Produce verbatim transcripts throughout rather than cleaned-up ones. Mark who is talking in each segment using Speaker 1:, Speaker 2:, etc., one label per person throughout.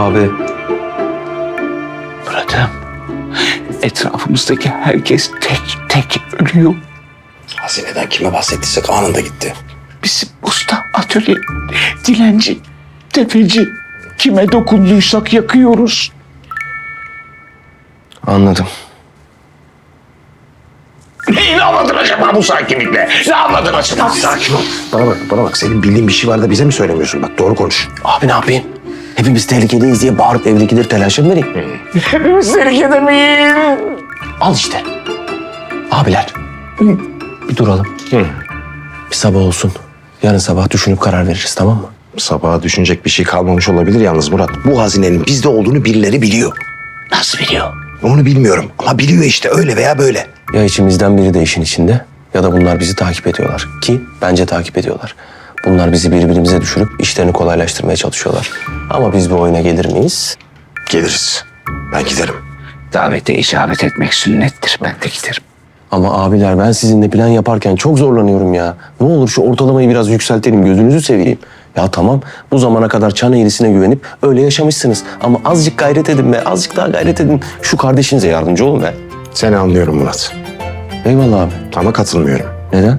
Speaker 1: Abi.
Speaker 2: Murat'ım, etrafımızdaki herkes tek tek ölüyor.
Speaker 3: Hazineden kime bahsettiysek anında gitti.
Speaker 2: Bizim usta, atölye, dilenci, tefeci, kime dokunduysak yakıyoruz.
Speaker 1: Anladım.
Speaker 2: Neyi anladın acaba bu sakinlikle? Ne anladın acaba?
Speaker 3: Sakin ol. Bana bak, bana bak. Senin bildiğin bir şey var da bize mi söylemiyorsun? Bak doğru konuş.
Speaker 1: Abi ne yapayım? Hepimiz tehlikedeyiz diye bağırıp evdekileri telaşa mı vereyim?
Speaker 2: Hepimiz tehlikede miyiz?
Speaker 1: Al işte. Abiler. Bir duralım.
Speaker 3: Hı.
Speaker 1: Bir sabah olsun. Yarın sabah düşünüp karar veririz, tamam mı?
Speaker 3: Sabaha düşünecek bir şey kalmamış olabilir yalnız Murat. Bu hazinenin bizde olduğunu birileri biliyor.
Speaker 2: Nasıl biliyor?
Speaker 3: Onu bilmiyorum ama biliyor işte öyle veya böyle.
Speaker 1: Ya içimizden biri de işin içinde ya da bunlar bizi takip ediyorlar. Ki bence takip ediyorlar. Bunlar bizi birbirimize düşürüp işlerini kolaylaştırmaya çalışıyorlar. Ama biz bu oyuna gelir miyiz?
Speaker 3: Geliriz. Ben giderim.
Speaker 2: Davete icabet etmek sünnettir. Ben de giderim.
Speaker 1: Ama abiler ben sizinle plan yaparken çok zorlanıyorum ya. Ne olur şu ortalamayı biraz yükseltelim, gözünüzü seveyim. Ya tamam, bu zamana kadar çan eğrisine güvenip öyle yaşamışsınız. Ama azıcık gayret edin be, azıcık daha gayret edin. Şu kardeşinize yardımcı olun be.
Speaker 3: Seni anlıyorum Murat.
Speaker 1: Eyvallah abi.
Speaker 3: Ama katılmıyorum.
Speaker 1: Neden?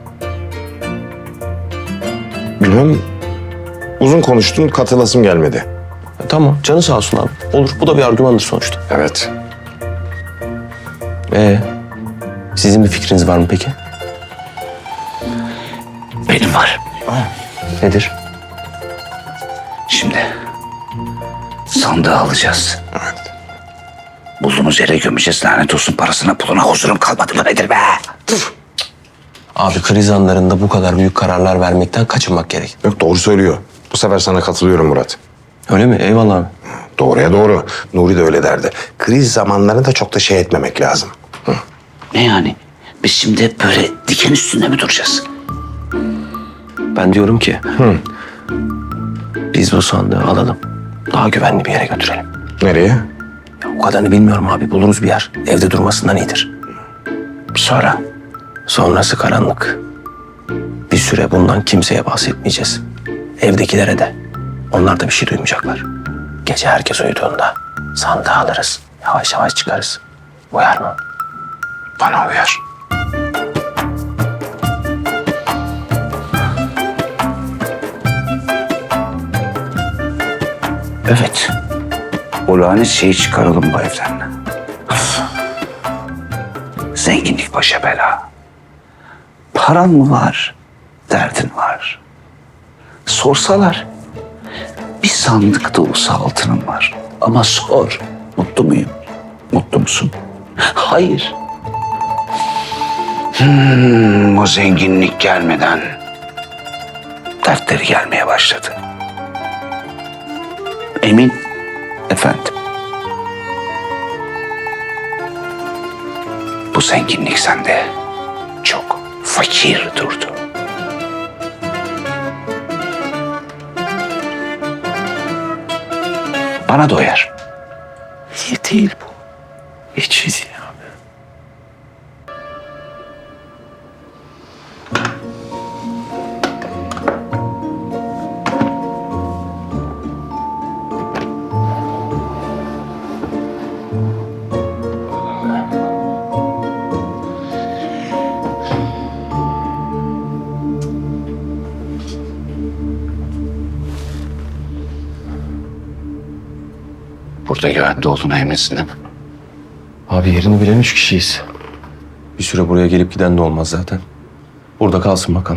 Speaker 3: Bilmem. Uzun konuştun, katılasım gelmedi.
Speaker 1: Ya tamam, canı sağ olsun abi. Olur, bu da bir argümandır sonuçta.
Speaker 3: Evet.
Speaker 1: Ee, sizin bir fikriniz var mı peki?
Speaker 2: Benim var.
Speaker 1: Nedir?
Speaker 2: Şimdi sandığı alacağız.
Speaker 3: Evet.
Speaker 2: Bulduğumuz yere gömeceğiz. Lanet olsun, parasına puluna huzurum kalmadı mı nedir be?
Speaker 1: Abi kriz anlarında bu kadar büyük kararlar vermekten kaçınmak gerek.
Speaker 3: Yok doğru söylüyor. Bu sefer sana katılıyorum Murat.
Speaker 1: Öyle mi? Eyvallah abi.
Speaker 3: Doğruya doğru. Nuri de öyle derdi. Kriz zamanlarında çok da şey etmemek lazım. Hı.
Speaker 2: Ne yani? Biz şimdi hep böyle diken üstünde mi duracağız?
Speaker 1: Ben diyorum ki... Biz bu sandığı alalım. Daha güvenli bir yere götürelim.
Speaker 3: Nereye?
Speaker 1: Ya o kadarını bilmiyorum abi. Buluruz bir yer. Evde durmasından iyidir.
Speaker 2: Sonra
Speaker 1: Sonrası karanlık. Bir süre bundan kimseye bahsetmeyeceğiz. Evdekilere de. Onlar da bir şey duymayacaklar. Gece herkes uyuduğunda sandığı alırız. Yavaş yavaş çıkarız. Uyar mı?
Speaker 3: Bana uyar.
Speaker 2: evet. O lanet şeyi çıkaralım bu evden. Zenginlik başa bela. Paran mı var? Derdin var. Sorsalar bir sandık dolusu altınım var. Ama sor, mutlu muyum? Mutlu musun? Hayır. Hmm, o zenginlik gelmeden dertleri gelmeye başladı. Emin efendim. Bu zenginlik sende çok fakir durdu. Bana doyar. İyi değil bu. Hiç iyi değil abi. Burada güvende olduğuna eminsin değil mi?
Speaker 1: Abi yerini bilen üç kişiyiz. Bir süre buraya gelip giden de olmaz zaten. Burada kalsın bakalım.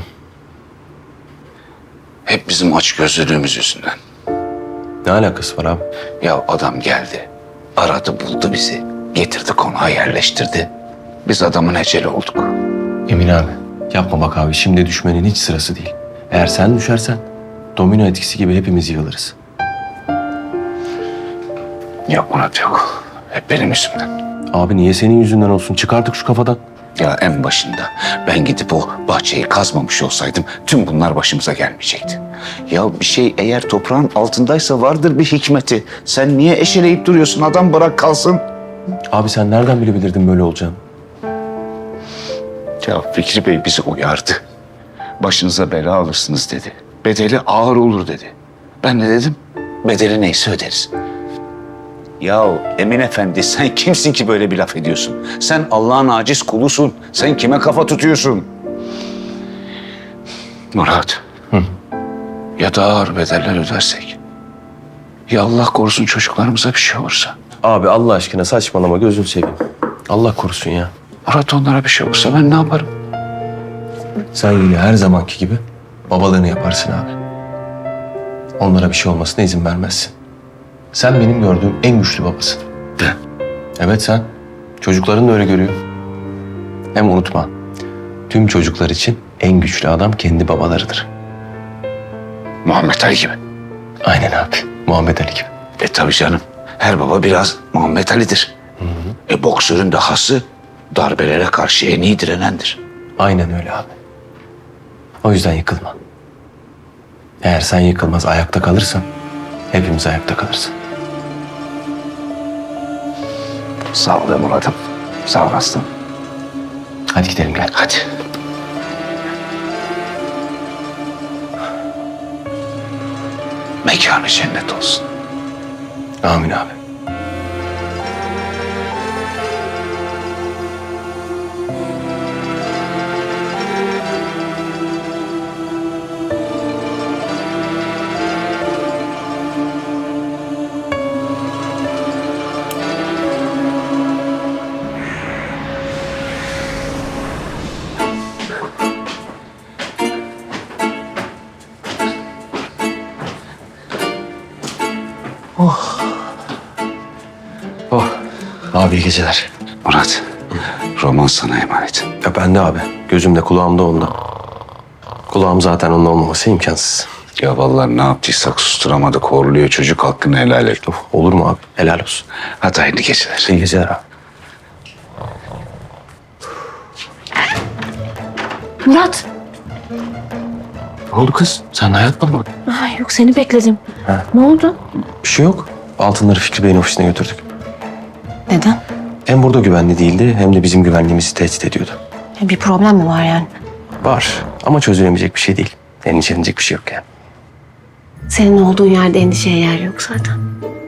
Speaker 2: Hep bizim açgözlülüğümüz yüzünden.
Speaker 1: Ne alakası var abi?
Speaker 2: Ya adam geldi, aradı buldu bizi, getirdi konağa yerleştirdi. Biz adamın eceli olduk.
Speaker 1: Emin abi. Yapma bak abi. Şimdi düşmenin hiç sırası değil. Eğer sen düşersen domino etkisi gibi hepimiz yığılırız.
Speaker 2: Yok Murat yok. Hep benim yüzümden.
Speaker 1: Abi niye senin yüzünden olsun? Çık artık şu kafadan.
Speaker 2: Ya en başında ben gidip o bahçeyi kazmamış olsaydım tüm bunlar başımıza gelmeyecekti. Ya bir şey eğer toprağın altındaysa vardır bir hikmeti. Sen niye eşeleyip duruyorsun? Adam bırak kalsın.
Speaker 1: Abi sen nereden bilebilirdin böyle olacağını?
Speaker 2: Ya Fikri Bey bizi uyardı. Başınıza bela alırsınız dedi. Bedeli ağır olur dedi. Ben ne dedim? bedeli neyse öderiz. Ya Emin Efendi sen kimsin ki böyle bir laf ediyorsun? Sen Allah'ın aciz kulusun. Sen kime kafa tutuyorsun? Murat. Hı. Ya daha ağır bedeller ödersek? Ya Allah korusun çocuklarımıza bir şey olursa?
Speaker 1: Abi Allah aşkına saçmalama gözünü seveyim. Allah korusun ya.
Speaker 2: Murat onlara bir şey olursa ben ne yaparım?
Speaker 1: Sen yine her zamanki gibi babalığını yaparsın abi. Onlara bir şey olmasına izin vermezsin. Sen benim gördüğüm en güçlü babasın.
Speaker 2: De.
Speaker 1: Evet sen. Çocukların da öyle görüyor. Hem unutma, tüm çocuklar için en güçlü adam kendi babalarıdır.
Speaker 2: Muhammed Ali gibi.
Speaker 1: Aynen abi. Muhammed Ali gibi.
Speaker 2: E tabii canım. Her baba biraz Muhammed Ali'dir. Hı hı. E boksörün de hası darbelere karşı en iyi direnendir.
Speaker 1: Aynen öyle abi. O yüzden yıkılma. Eğer sen yıkılmaz ayakta kalırsan hepimiz ayakta kalırız.
Speaker 2: Sağ ol be Murat'ım. Sağ ol aslanım.
Speaker 1: Hadi gidelim gel.
Speaker 2: Hadi. Mekanı cennet olsun.
Speaker 1: Amin abi. Oh. Abi iyi geceler.
Speaker 2: Murat, roman sana emanet.
Speaker 1: Ya ben de abi. Gözümde kulağımda onda. Kulağım zaten onun olmaması imkansız.
Speaker 2: Ya vallahi ne yaptıysak susturamadık. Horluyor çocuk, hakkını helal et.
Speaker 1: Of, olur mu abi? Helal olsun.
Speaker 2: Hadi hayırlı geceler.
Speaker 1: İyi geceler abi.
Speaker 4: Murat.
Speaker 1: Ne oldu kız? Sen hayatta mı?
Speaker 4: Ay, yok seni bekledim.
Speaker 1: Ha.
Speaker 4: Ne oldu?
Speaker 1: Bir şey yok. Altınları Fikri Bey'in ofisine götürdük.
Speaker 4: Neden?
Speaker 1: Hem burada güvenli değildi hem de bizim güvenliğimizi tehdit ediyordu.
Speaker 4: Ya bir problem mi var yani?
Speaker 1: Var ama çözülemeyecek bir şey değil. Endişelenecek bir şey yok yani.
Speaker 4: Senin olduğun yerde endişeye yer yok zaten.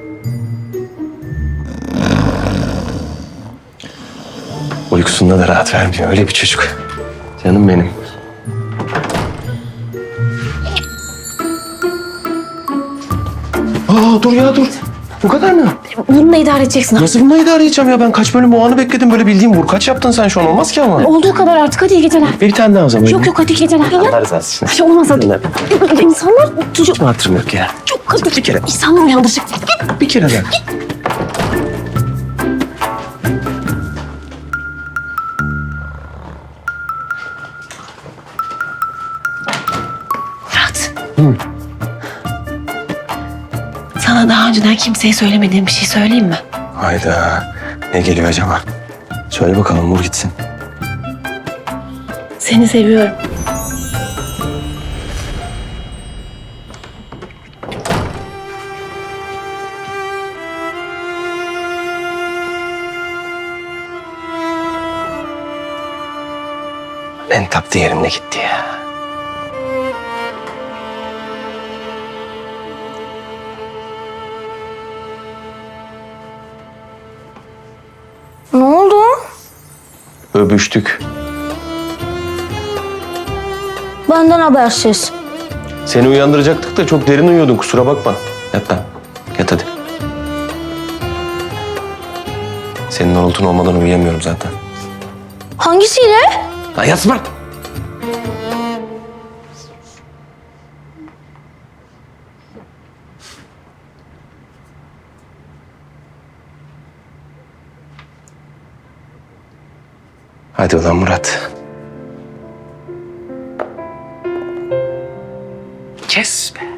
Speaker 1: Uykusunda da rahat vermiyor. Öyle bir çocuk. Canım benim. Aa dur ya dur. Bu kadar mı?
Speaker 4: Bununla idare edeceksin.
Speaker 1: Nasıl bununla idare edeceğim ya? Ben kaç bölüm o anı bekledim. Böyle bildiğim vur kaç yaptın sen şu an. Olmaz ki ama.
Speaker 4: Olduğu kadar artık, hadi iyi geceler.
Speaker 1: Bir tane daha o zaman.
Speaker 4: Yok yok, hadi iyi geceler. Ya,
Speaker 1: Allah rızası için.
Speaker 4: ay, olmaz hadi. İnsanlar çocuk...
Speaker 1: Hiç mi hatırım yok ya?
Speaker 4: Çok hadi.
Speaker 1: Bir kere.
Speaker 4: İnsanlar uyandıracak.
Speaker 1: Bir kere daha.
Speaker 4: Murat. Hı. Sana daha önceden kimseye söylemediğim bir şey söyleyeyim mi?
Speaker 1: Hayda. Ne geliyor acaba? Söyle bakalım vur gitsin.
Speaker 4: Seni seviyorum.
Speaker 1: En taptı yerimde gitti ya.
Speaker 4: Ne oldu?
Speaker 1: Öpüştük.
Speaker 4: Benden habersiz.
Speaker 1: Seni uyandıracaktık da çok derin uyuyordun kusura bakma. Yat lan. Yat hadi. Senin horultun olmadan uyuyamıyorum zaten.
Speaker 4: Hangisiyle?
Speaker 1: Lan yatma. Hadi ulan Murat. Kes be.